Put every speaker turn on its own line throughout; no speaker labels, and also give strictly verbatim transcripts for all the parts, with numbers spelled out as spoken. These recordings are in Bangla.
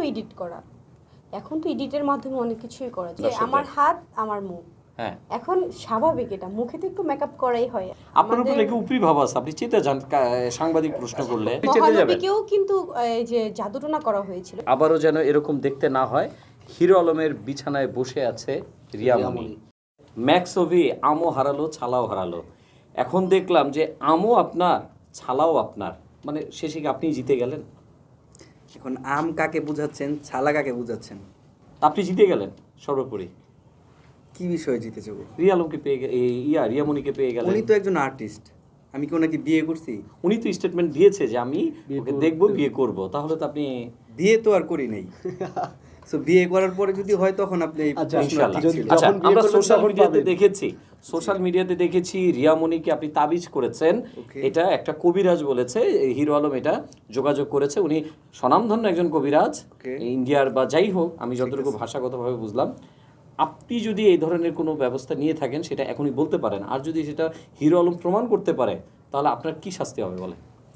এডিট করা। এখন তো এডিটের মাধ্যমে অনেক কিছুই করা যায়। আমার হাত আমার মুখ, হ্যাঁ এখন স্বাভাবিক, এটা মুখে তো একটু মেকআপ করাই হয়।
আপনার উপরে কি উপরি ভাব আছে? আপনি চেতে যান সাংবাদিক প্রশ্ন করলে,
মহানবীকেও কিন্তু এই যে জাদুটোনা করা হয়েছিল।
আবারও যেন এরকম দেখতে না হয়, হিরো আলমের বিছানায় বসে আছে রিয়ামণি। ম্যাক্সোভি আমও হারালো, ছালাও হারালো। এখন দেখলাম যে আমও আপনার, ছালাও আপনার, মানে শেষে কি আপনি জিতে গেলেন?
এখন আম কাকে বুঝাচ্ছেন, ছালা কাকে বুঝাচ্ছেন?
আপনি জিতে গেলেন সর্বোপরি।
কি বিষয়ে জিতে যাবো?
রিয়া আলমকে পেয়ে গে- এই ইয়া রিয়ামণিকে পেয়ে গেলেন।
উনি তো একজন আর্টিস্ট, আমি কি ওনাকে বিয়ে করছি?
উনি তো স্টেটমেন্ট দিয়েছে যে আমি ওকে দেখবো, বিয়ে করব। তাহলে তো আপনি
বিয়ে তো আর করি নাই। সো বিয়ে করার পরে যদি হয় তখন আপনি এই
আচ্ছা,
প্রশ্নটা
ইনশাআল্লাহ।
ঠিক ছিল।
আচ্ছা,
যখন বিয়ে
আমরা
করবেন
সোশ্যাল
তখন
মিডিয়াতে
পাবেন।
দেখেছি, সোশ্যাল মিডিয়াতে দেখেছি রিয়ামণিকে আপনি তাবিজ করেছেন।
Okay.
এটা একটা কবিরাজ বলেছে, এই হিরো আলম এটা যোগাযোগ করেছে। উনি স্বনামধন্য একজন কবিরাজ,
Okay.
ইন্ডিয়ার বা যাই হোক, আমি যতটুকু ভাষাগতভাবে বুঝলাম। আপনি যদি এই ধরনের কোনো ব্যবস্থা নিয়ে থাকেন সেটা এখনই বলতে পারেন, আর যদি সেটা হিরো আলম প্রমাণ করতে পারে তাহলে আপনার কি শাস্তি হবে বলে?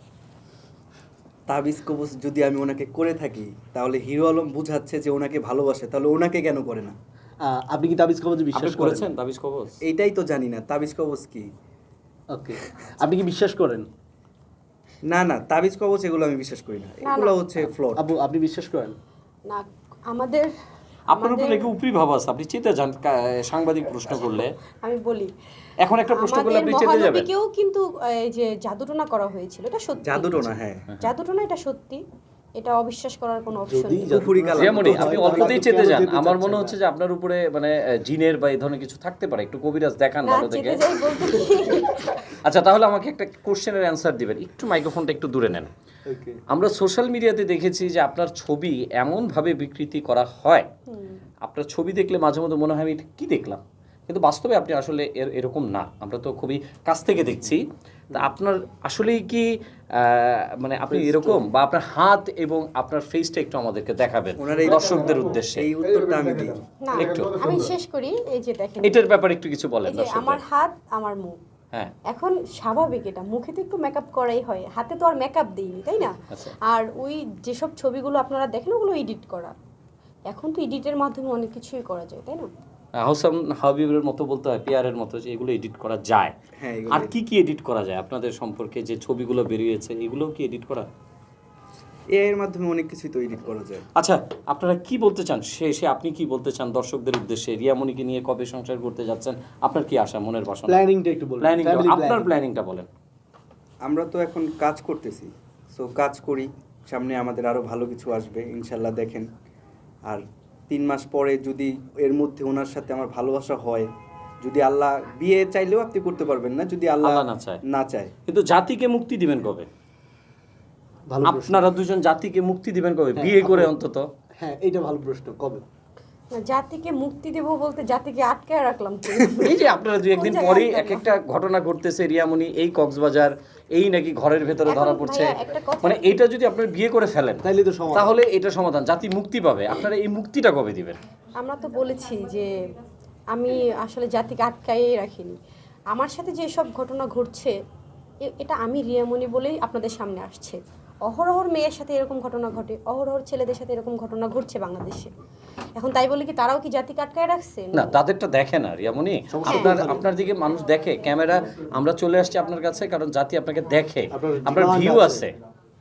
তাবিজ কবজ যদি আমি ওনাকে করে থাকি তাহলে হিরো আলম বুঝাচ্ছে যে ওনাকে ভালোবাসে, তাহলে ওনাকে কেন করে না?
আহ, আপনি কি তাবিজ কবজে
আপনি
বিশ্বাস করেন?
করেছেন তাবিজ কবজ?
এইটাই তো জানি না তাবিজ কবজ কি।
ওকে, আপনি কি বিশ্বাস করেন?
না না, তাবিজ কবজ এগুলো আমি বিশ্বাস করি না, এগুলো হচ্ছে ফ্লড।
আপু, আপনি বিশ্বাস করেন?
না, আমাদের
আপনার উপরে কি উপরি ভাব আছে? আপনি চেতে যান সাংবাদিক প্রশ্ন করলে।
আমি বলি,
এখন একটা প্রশ্ন করলে আপনি চেতে যাবেন।
মহানবীকেও কিন্তু এই যে জাদুটোনা করা হয়েছিল, এটা সত্যি।
জাদুটোনা, হ্যাঁ
জাদুটোনা এটা সত্যি, এটা অবিশ্বাস করার কোনো অপশন
যদি
নেই।
কুফুরি কালাম।
রিয়ামণি,
হয়,
আপনি
তাহলে
অল্পতেই
আপনি
চেতে
কেন
যান।
যেতে
আমার
চাচ্ছেন
মনে
না?
হচ্ছে যে আপনার উপরে মানে আহ, জিনের বা এই ধরনের কিছু থাকতে পারে। একটু কবিরাজ দেখান
না,
ভালো থেকে।
চেতে যাই বলতে কি,
আচ্ছা, তাহলে আমাকে একটা কোশ্চেনের অ্যান্সার দিবেন। একটু মাইক্রোফোনটা একটু দূরে নেন।
ওকে,
আমরা সোশ্যাল মিডিয়াতে দেখেছি যে আপনার ছবি এমনভাবে বিকৃতি করা হয়, আপনার ছবি দেখলে মাঝে মধ্যে মনে হয় আমি এটা কী দেখলাম, কিন্তু বাস্তবে আপনি আসলে এর এরকম না। আমরা তো খুবই কাছ থেকে দেখছি। তা আপনার আসলেই কি আহ, মানে আপনি এরকম, বা আপনার হাত এবং আপনার ফেসটা একটু আমাদেরকে দেখাবেন
ওনার এই
দর্শকদের উদ্দেশ্যে।
এই উত্তরটা আমি দিই।
না
একটু।
আমি শেষ করি। এই যে দেখেন,
এটার ব্যাপারে একটু কিছু বলেন
এই যে আমার
দর্শকদের।
হাত আমার মুখ,
হ্যাঁ,
এখন স্বাভাবিক, এটা মুখে তো একটু মেকআপ করাই হয়। হাতে তো আর মেকআপ দিইনি, তাই না?
আচ্ছা।
আর ওই যেসব ছবিগুলো আপনারা দেখেন ওগুলো এডিট করা। এখন তো এডিটের মাধ্যমে অনেক কিছুই করা যায়, তাই না?
হাউসাম হাবিবের মতো বলতে হয়, পিয়ারের মতো, যে এগুলো এডিট করা যায়।
হ্যাঁ, এগুলো
আর কি কি এডিট করা যায় আপনাদের সম্পর্কে যে ছবিগুলো বেরিয়েছে, এগুলোও কি এডিট করা?
এআই এর মাধ্যমে অনেক কিছুই তো এডিট করা যায়।
আচ্ছা, আপনারা কি বলতে চান শেষে? আপনি কি বলতে চান দর্শকদের উদ্দেশ্যে? রিয়ামণিকে নিয়ে কবে সংসার করতে যাচ্ছেন? আপনার কি আশা, মনের বাসনা?
প্ল্যানিংটা একটু বলুন।
প্ল্যানিং,
Family
আপনার
planning।
প্ল্যানিংটা বলেন।
আমরা তো এখন কাজ করতেছি, সো কাজ করি, সামনে আমাদের আরও ভালো কিছু আসবে ইনশাল্লাহ, দেখেন। আর তিন মাস পরে যদি এর মধ্যে ওনার সাথে আমার ভালোবাসা হয়, যদি আল্লাহ, বিয়ে চাইলেও আপনি করতে পারবেন না যদি আল্লাহ
আল্লাহ না চায়।
না চায়।
কিন্তু জাতিকে মুক্তি দিবেন কবে?
ভালো প্রশ্ন।
আপনারা দুজন জাতিকে মুক্তি দিবেন কবে?
হ্যাঁ,
বিয়ে করে
আপু।
অন্তত।
হ্যাঁ, এইটা ভালো প্রশ্ন, কবে?
না, জাতিকে মুক্তি দেব বলতে জাতিকে আটকায় রাখলাম তো।
এই যে আপনারা দুই একদিন
কোন জায়গায়
পরেই
আটকালাম?
এক একটা ঘটনা ঘটতেছে, রিয়ামণি এই কক্সবাজার, এই নাকি ঘরের ভেতরে
এখন
ধরা পড়ছে।
ভাইয়া একটা কথা
মানে
কি?
এটা যদি আপনারা বিয়ে করে ফেলেন
তাইলে তো সমাধান।
তাহলে এটা সমাধান, জাতি মুক্তি পাবে। আপনারা এই মুক্তিটা কবে দিবেন?
আমরা তো বলেছি যে আমি আসলে জাতিকে আটকাই রাখিনি। আমার সাথে যে সব ঘটনা ঘটছে, এ- এটা আমি রিয়ামণি বলেই আপনাদের সামনে আসছে। অহরহর মেয়ের সাথে এরকম ঘটনা ঘটে, অহরহর ছেলেদের সাথে এরকম ঘটনা ঘটছে বাংলাদেশে। এখন তাই বলে কি তারাও কি জাতিকে আটকায় রাখছে?
না, তাদেরটা দেখে না রিয়ামণি। আপনার আপনার দিকে মানুষ দেখে, ক্যামেরা। আমরা চলে আসছি আপনার কাছে কারণ জাতি আপনাকে দেখে,
আপনার
আপনার
demand
ভিউ
আছে।
আছে।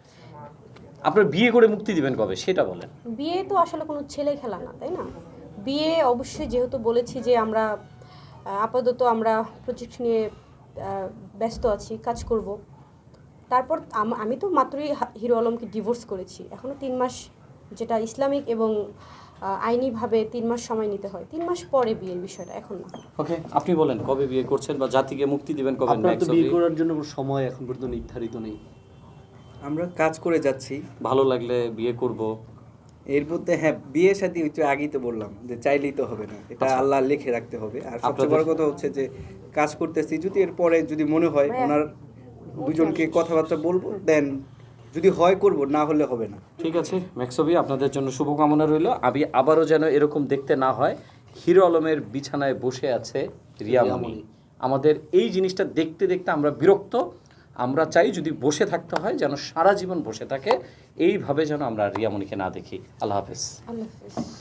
আপনার বিয়ে করে মুক্তি দিবেন কবে সেটা বলেন।
বিয়ে তো আসলে কোনো ছেলে খেলা না, তাই না? বিয়ে অবশ্যই, যেহেতু বলেছি যে আমরা আহ, আপাতত আমরা প্রজেক্ট নিয়ে আহ, ব্যস্ত আছি, কাজ করব। তারপর আম- আমি তো মাত্রই হা- হিরো আলমকে ডিভোর্স করেছি। এখনও তিন মাস, যেটা ইসলামিক এবং আহ, আইনিভাবে তিন মাস সময় নিতে হয়। তিন মাস পরে বিয়ের বিষয়টা, এখন না।
ওকে, আপনি বলেন কবে বিয়ে করছেন বা জাতিকে মুক্তি দিবেন কবে?
আপনার তো
Next
বিয়ে
অবধি
করার জন্য কোনো সময় এখন পর্যন্ত নির্ধারিত নেই।
আমরা কাজ করে যাচ্ছি,
ভালো লাগলে বিয়ে করব।
এর মধ্যে হ্যাঁ বিয়ে শাদী একটু আগেই তো বললাম যে চাইলেই তো হবে না, এটা
আচ্ছা।
আল্লাহ লিখে রাখতে হবে। আর সবচেয়ে
আপনাদের-
বড় কথা হচ্ছে যে কাজ করতেছি, যদি এর পরে যদি মনে হয়
ভাইয়া,
ওনার দুজনকে কথাবার্তা বলবো, দেন যদি হয় করব, না হলে হবে না।
ঠিক আছে ম্যাক্সবি, আপনাদের জন্য শুভকামনা রইল। আমি আবারও যেন এরকম দেখতে না হয়, হিরো আলমের বিছানায় বসে আছে রিয়ামণি। আমাদের এই জিনিসটা দেখতে দেখতে আমরা বিরক্ত। আমরা চাই যদি বসে থাকতে হয় যেন সারা জীবন বসে থাকে, এইভাবে যেন আমরা রিয়ামণিকে না দেখি। আল্লাহ হাফেজ।
আল্লাহ হাফিজ।